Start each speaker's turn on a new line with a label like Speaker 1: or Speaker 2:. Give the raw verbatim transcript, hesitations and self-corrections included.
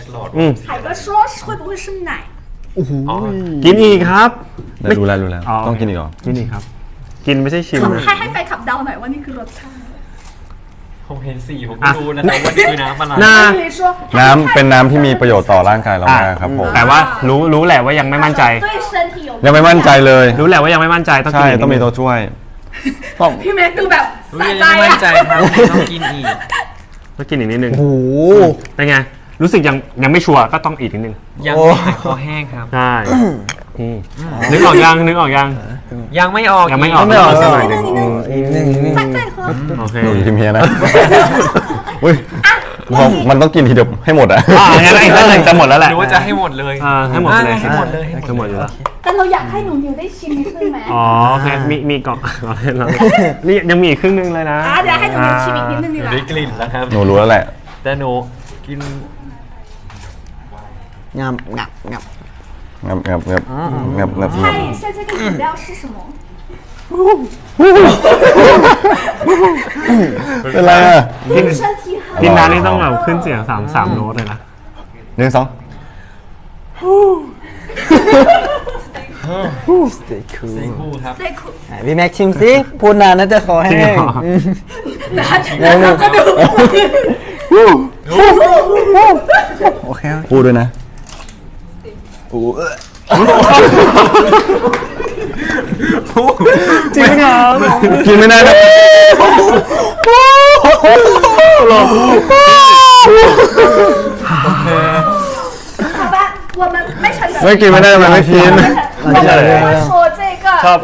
Speaker 1: อืม
Speaker 2: 海哥说会不会是奶
Speaker 1: กินอีกครับ
Speaker 3: รู้แล้วรู้แล้วต้องกินอีกเหรอ
Speaker 1: กินอีกครับ กินไม่ใช่ชิมนะ
Speaker 2: ให้ให้แฟนคลับเดาหน่อยว่านี่คือรสชาติ
Speaker 4: ผมเห็นสีผมก็รู้นะแต่ว่านี่คือน้ำอะไร
Speaker 1: น่า
Speaker 3: น้ำเป็นน้ำที่มีประโยชน์ต่อร่างกายเรามากครับผม
Speaker 1: แต่ว่ารู้รู้แหละว่ายังไม่มั่นใจ
Speaker 3: ยังไม่มั่นใจเลย
Speaker 1: รู้แหละว่ายังไม่มั่นใจต้องกิ
Speaker 3: ใช่
Speaker 1: นก
Speaker 3: ต้องมีตัวช่วยต้อง
Speaker 2: พี่แม็กดูแบบ
Speaker 4: รู้
Speaker 2: สะ
Speaker 4: ยัง
Speaker 2: ใจ
Speaker 4: ไม่มั่
Speaker 2: อะ
Speaker 4: นใจครับต้องกินอีก
Speaker 1: ต้องกินอีกนิดนึง
Speaker 5: โอ้โห
Speaker 1: เป็นไงรู้สึกยังยังไม่ชัวร์ก็ต้องอีกนิดนึง
Speaker 4: ยังไม่หายคอแห้งครับ
Speaker 1: ใช่อืมนึกออกยังนึกออกยัง
Speaker 4: ยังไม่ออก
Speaker 1: ยังไม่ออก
Speaker 5: ไม่ออก
Speaker 1: สักห
Speaker 5: ห
Speaker 1: น่
Speaker 5: น่
Speaker 1: อ
Speaker 5: อย ย
Speaker 1: ห
Speaker 5: ห
Speaker 1: นึ่
Speaker 5: นึ่
Speaker 1: ง
Speaker 5: งอีกหนึ่งอีกหนึ่ง
Speaker 2: 再再喝
Speaker 1: โอเค
Speaker 3: หนูอยู่ทีมเฮียนะอุ้ยพอมันต้องกินทีเดียวให้หมดอ่ะ
Speaker 1: อ่างั้นอีกสักหนึ่งจะหมดแล้วแหละ
Speaker 4: หรือว่าจะให้หมดเลย
Speaker 1: อ่าให้หมดไปเลย
Speaker 4: ให้หมดเลยให้
Speaker 1: ให้ห
Speaker 4: ห
Speaker 1: ม
Speaker 4: ม
Speaker 1: ด
Speaker 4: ด
Speaker 1: อยู่
Speaker 4: เลย
Speaker 1: แล้ว
Speaker 2: แต่เราอยากให้หนูนิวได้ชิมนิดนึงไหม
Speaker 1: อ๋อโอเคมีมีเกาะเราเล่นเรานี่ยังมีอีกครึ่งนึงเลยนะ
Speaker 2: อ่ะเดี๋ยวให้หนูนิวชิมอีกนิดนึงดีกว่า
Speaker 4: ได้กลิ่นแล้วครับ
Speaker 3: หนูรู้แล้วแหละ
Speaker 4: แต่หนูกิน
Speaker 5: งับงับงับ
Speaker 3: งับงับงับงับงับ
Speaker 2: 猜一下这个饮料是什么
Speaker 3: เป็นไรอ่ะ
Speaker 1: กิน
Speaker 2: 身体好
Speaker 1: กินน้ำนี่ต้องแบบขึ้นเสียงสามสามโน้ตเลยนะ
Speaker 3: หนึ่งสอง
Speaker 5: สเต็กคู
Speaker 4: เซ็งคู่ครับ
Speaker 2: 对苦
Speaker 5: ไหนพี่แม็กชิมสิพูดนานน่าจะคอ
Speaker 1: จริ
Speaker 5: แห้
Speaker 1: ง
Speaker 5: ง
Speaker 1: เหรอ
Speaker 5: อืม
Speaker 2: 拿拿个ดู
Speaker 5: โอเค
Speaker 3: พูดด้วยนะ
Speaker 1: จริงเหรอ
Speaker 3: กินไม่ได้นะ
Speaker 2: 好吧我们ไม่เฉลย
Speaker 3: ไม่กินไม่ได้มันไม่กิน
Speaker 2: 我们不会说这个